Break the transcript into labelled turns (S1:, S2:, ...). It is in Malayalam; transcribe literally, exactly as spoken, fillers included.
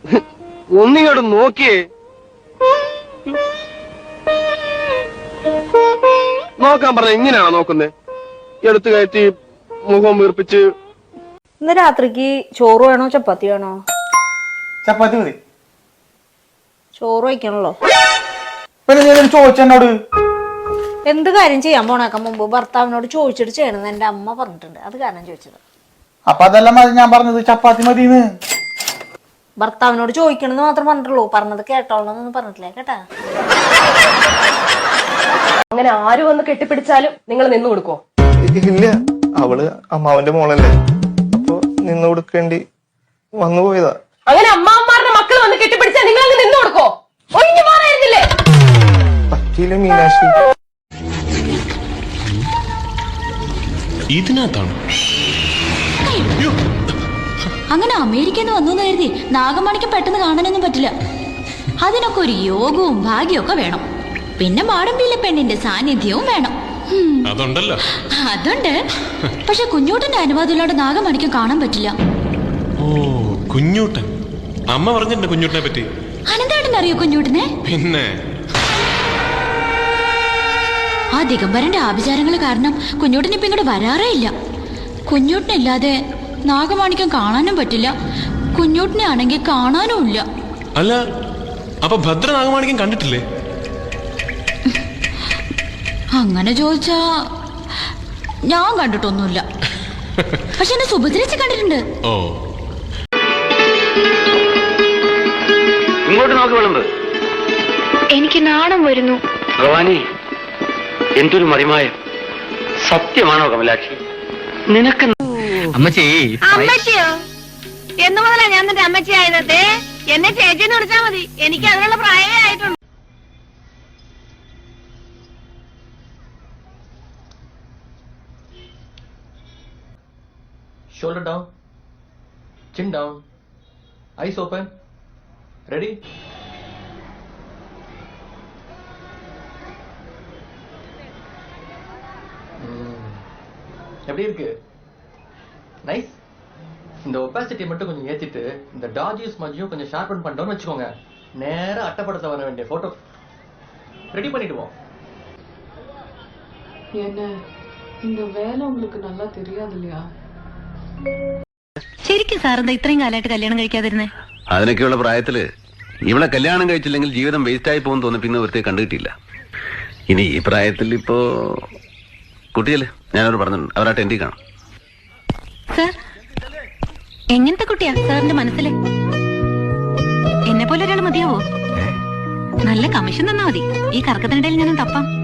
S1: ഒന്നിങ്ങോട്ട് നോക്കിയേ. നോക്കാൻ പറഞ്ഞ ഇങ്ങനെയാണോ നോക്കുന്നത്? എടുത്തു കയറ്റി മുഖം വീർപ്പിച്ച്.
S2: ഇന്ന് രാത്രിക്ക് ചോറ് വേണോ ചപ്പാത്തി വേണോ?
S3: ചപ്പാത്തി മതി.
S2: ചോറ് വയ്ക്കണല്ലോ.
S3: ചോദിച്ചോട്
S2: എന്ത് കാര്യം ചെയ്യാൻ പോണേക്കാൻ മുമ്പ് ഭർത്താവിനോട് ചോദിച്ചിട്ട് ചെയ്യണമെന്ന് എന്റെ അമ്മ പറഞ്ഞിട്ടുണ്ട്. അത് കാരണം ചോദിച്ചത്.
S3: അപ്പൊ അതെല്ലാം മതി ഞാൻ പറഞ്ഞത്, ചപ്പാത്തി മതിന്ന്.
S2: ഭർത്താവിനോട് ചോദിക്കണമെന്ന് മാത്രം പറഞ്ഞിട്ടുള്ളൂ, പറഞ്ഞത് കേട്ടോളന്നൊന്നും പറഞ്ഞിട്ടില്ല കേട്ടാ.
S4: അങ്ങനെ ആര് വന്ന് കെട്ടിപ്പിടിച്ചാലും നിങ്ങൾ നിന്നു കൊടുക്കോ?
S5: ഇല്ല, അവള് അമ്മാവന്റെ മോളല്ലേ, അപ്പൊ നിന്ന് കൊടുക്കേണ്ടി വന്നു പോയതാ.
S4: അങ്ങനെ അമ്മാവന്മാരുടെ മക്കൾ വന്ന് കെട്ടിപ്പിടിച്ചാൽ നിങ്ങൾ അങ്ങ് നിന്നു കൊടുക്കോ? ഒഴിഞ്ഞു മാറായിരുന്നില്ലേ?
S5: പറ്റിയില്ല മീനാക്ഷി.
S6: ഇതിനകത്താണ്
S7: അങ്ങനെ അമേരിക്കന്ന് വന്നു കരുതി നാഗമണിക്ക് പെട്ടെന്ന് കാണാനൊന്നും പറ്റില്ല. അതിനൊക്കെ ഒരു യോഗവും ഭാഗ്യവും വേണം. പിന്നെ മാടമ്പിയിലെ പെണ്ണിന്റെ സാന്നിധ്യവും വേണം.
S6: അതുണ്ടല്ലോ.
S7: അതുണ്ട്. പക്ഷെ കുഞ്ഞൂട്ടന്റെ അനുവാദമില്ലാണ്ട് നാഗമണിക്കും കാണാൻ പറ്റില്ല.
S6: ഓ, കുഞ്ഞൂട്ടൻ. അമ്മ പറഞ്ഞിട്ടുണ്ട് കുഞ്ഞൂട്ടനെ പറ്റി.
S7: അനന്തേട്ടൻ അറിയോ കുഞ്ഞൂട്ടനെ?
S6: പിന്നെ
S7: ആ ദിഗംബരന്റെ ആഭിചാരങ്ങൾ കാരണം കുഞ്ഞൂട്ടൻ ഇപ്പൊ ഇങ്ങോട്ട് വരാറേ ഇല്ല. കുഞ്ഞൂട്ടനില്ലാതെ നാഗമാണിക്കം കാണാനും പറ്റില്ല, കുഞ്ഞൂട്ടനെ ആണെങ്കിൽ കാണാനും ഇല്ല.
S6: അല്ല, അപ്പൊ ഭദ്ര നാഗമാണിക്കം കണ്ടിട്ടില്ലേ?
S7: അങ്ങനെ ചോദിച്ചാ ഞാൻ കണ്ടിട്ടൊന്നുമില്ല. പക്ഷെ എന്നെ സുഭദ്രച്ച് കണ്ടിട്ടുണ്ട്.
S6: ഓ,
S1: ഇങ്ങോട്ട് നോക്കി വിളമ്പ്.
S8: എനിക്ക് നാണം വരുന്നു.
S1: ഭഗവാനി, എന്തൊരു മറിമായം. സത്യമാണോ കമലാക്ഷി? നിനക്ക്
S9: അമ്മച്ചി.
S8: അമ്മച്ചിയോ? എന്ന് മുതലാ ഞാൻ നിന്റെ അമ്മച്ചി ആയതേ? എന്നെ ചേച്ചിന്ന് വിളിച്ചാ മതി, എനിക്ക് അതിനുള്ള പ്രായമേ ആയിട്ടുണ്ട്.
S9: Shoulder down, chin down, eyes open, ready? எப்படி இருக்கு? நைஸ். இந்த ஒபாசிட்டி மட்டும் கொஞ்சம் ஏத்திட்டு இந்த டாஜிஸ் மஞ்சியும் கொஞ்சம் ஷார்பன் பண்ணிட்டோம்னு வச்சுக்கோங்க, நேரா அட்டப்படத்துல வர வேண்டிய போட்டோ ரெடி பண்ணிடுவோம்.
S10: என்ன இந்த வேலை உங்களுக்கு நல்லா தெரியாது இல்லையா?
S7: ശരിക്കും സാറെന്താ ഇത്രയും കാലമായിട്ട് കല്യാണം കഴിക്കാതിരുന്നേ?
S11: അതിനൊക്കെയുള്ള പ്രായത്തില് ഇവളെ കല്യാണം കഴിച്ചില്ലെങ്കിൽ ജീവിതം വേസ്റ്റ് ആയി പോകും തോന്നി പിന്നെ വൃത്തി കണ്ടുകിട്ടില്ല. ഇനി ഈ പ്രായത്തിൽ ഇപ്പോ കുട്ടിയല്ലേ, ഞാനവർ പറഞ്ഞിട്ടുണ്ട്, അവരാ ടെൻഡി കാണാം.
S7: സാർ എങ്ങനത്തെ കുട്ടിയാ സാറിന്റെ മനസ്സില്? എന്നെ പോലെ ഒരാൾ മതിയാവോ? നല്ല കമ്മീഷൻ തന്നാ മതി, ഈ കറക്കത്തിനിടയിൽ ഞാനും തപ്പാം.